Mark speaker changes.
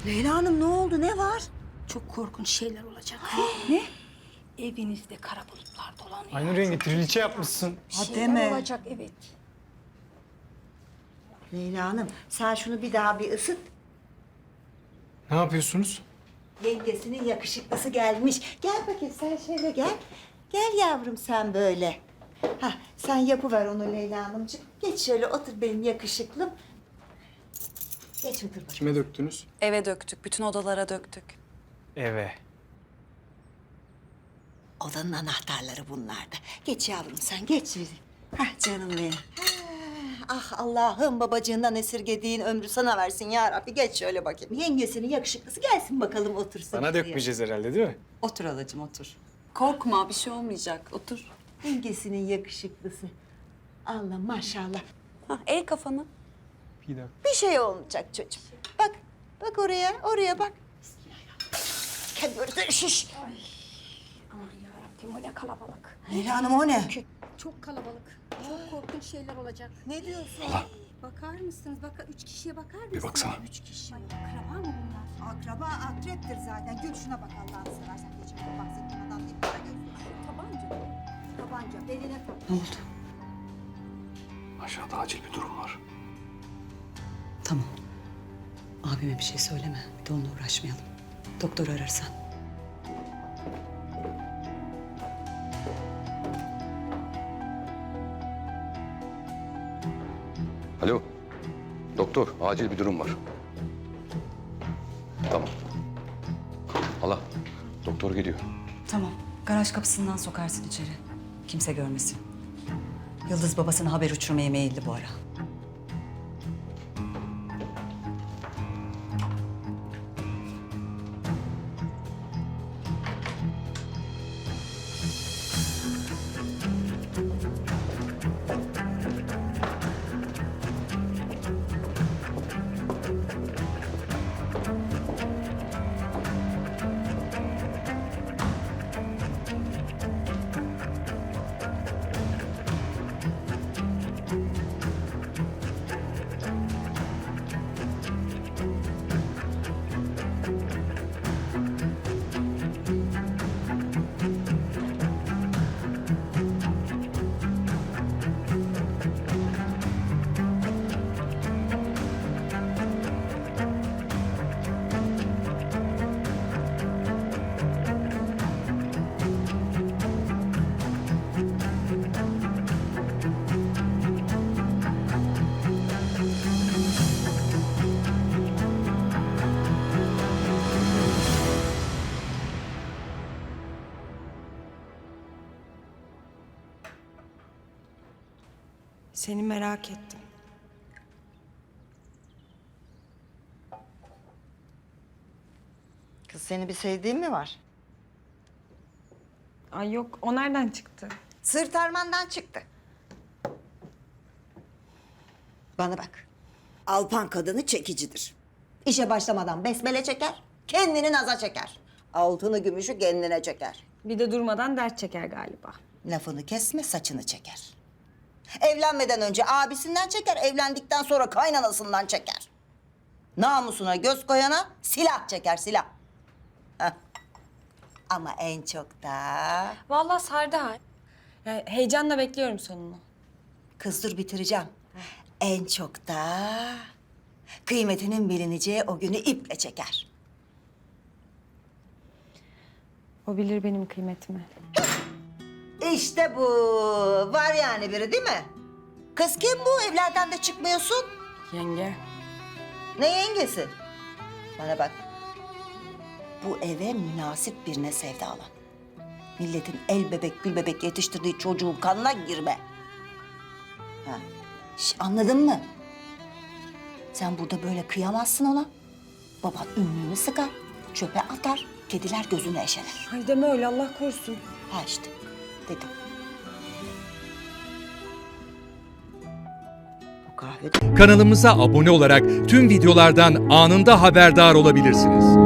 Speaker 1: Leyla Hanım ne oldu? Ne var?
Speaker 2: Çok korkunç şeyler olacak.
Speaker 1: Ne?
Speaker 2: Evinizde kara bulutlar dolanıyor.
Speaker 3: Aynı rengi triliçe yapmışsın.
Speaker 1: Ha,
Speaker 2: Şeyler
Speaker 1: deme.
Speaker 2: olacak, evet.
Speaker 1: Leyla Hanım sen şunu bir daha bir ısıt.
Speaker 3: Ne yapıyorsunuz?
Speaker 1: Yengesinin yakışıklısı gelmiş. Gel bakayım sen şöyle gel. Gel yavrum sen böyle. Hah, sen yapıver onu Leyla Hanımcığım. Geç şöyle otur benim yakışıklım. Geç otur bakayım.
Speaker 3: Kime döktünüz?
Speaker 4: Eve döktük, bütün odalara döktük.
Speaker 3: Eve.
Speaker 1: Odanın anahtarları bunlarda. Geç yavrum sen geç. Hah canım benim. Ah Allah'ım babacığından esirgediğin ömrü sana versin ya Rabbi. Geç şöyle bakayım. Yengesinin yakışıklısı gelsin bakalım otursun.
Speaker 3: Bana
Speaker 1: şuraya.
Speaker 3: dökmeyeceğiz herhalde değil mi?
Speaker 1: Otur halacığım otur.
Speaker 4: Korkma, bir şey olmayacak. Otur.
Speaker 1: Yengesinin yakışıklısı. Allah maşallah.
Speaker 4: Hah, el kafanı.
Speaker 3: Bir dakika.
Speaker 1: Bir şey olmayacak çocuğum. Bak, bak oraya bak. Kendi orada şiş.
Speaker 2: Aman yarabbim, o ne kalabalık.
Speaker 1: Leyla Hanım o ne?
Speaker 2: Çok kalabalık. Çok korkunç şeyler olacak.
Speaker 1: Ne diyorsun?
Speaker 2: Bakar mısınız? 3 kişiye bakar mısınız?
Speaker 3: Bir baksana.
Speaker 2: 3 kişi. Akraba mı bunlar?
Speaker 1: Akraba akreptir zaten. Gül şuna bak Allah'ını seversen. Geçen bahsettiğim adam değil. Para gözlü.
Speaker 2: Tabanca. Tabanca. Beline tak.
Speaker 1: Ne oldu?
Speaker 5: Aşağıda acil bir durum var.
Speaker 6: Tamam. Abime bir şey söyleme. Bir de onunla uğraşmayalım. Doktor ararsan.
Speaker 5: Alo. Doktor, acil bir durum var. Tamam. Hala, doktor geliyor.
Speaker 6: Tamam. Garaj kapısından sokarsın içeri. Kimse görmesin. Yıldız babasına haber uçurmaya meyilli bu ara.
Speaker 7: Seni merak ettim.
Speaker 1: Kız seni bir sevdiğin mi var?
Speaker 7: Ay yok, o nereden çıktı?
Speaker 1: Sırt armandan çıktı. Bana bak. Alpan kadını çekicidir. İşe başlamadan besmele çeker, kendini naza çeker. Altını gümüşü kendine çeker.
Speaker 7: Bir de durmadan dert çeker galiba.
Speaker 1: Lafını kesme, saçını çeker. Evlenmeden önce abisinden çeker, evlendikten sonra kaynanasından çeker. Namusuna göz koyana silah çeker, silah. Heh. Ama en çok da...
Speaker 7: Vallahi sardı ha. Yani heyecanla bekliyorum sonunu.
Speaker 1: Kız dur bitireceğim. En çok da kıymetinin bilineceği o günü iple çeker.
Speaker 7: O bilir benim kıymetimi.
Speaker 1: İşte bu. Var yani biri değil mi? Kız kim bu? Evlerden de çıkmıyorsun.
Speaker 7: Yenge.
Speaker 1: Ne yengesi? Bana bak. Bu eve münasip birine sevdalan. Milletin el bebek gül bebek yetiştirdiği çocuğun kanına girme. Ha. Anladın mı? Sen burada böyle kıyamazsın ona. Baban ünlüğünü sıkar, çöpe atar, kediler gözünü eşeler.
Speaker 7: Ay deme öyle, Allah korusun.
Speaker 1: Ha işte, dedim. Bu kahve...
Speaker 8: Kanalımıza abone olarak tüm videolardan anında haberdar olabilirsiniz.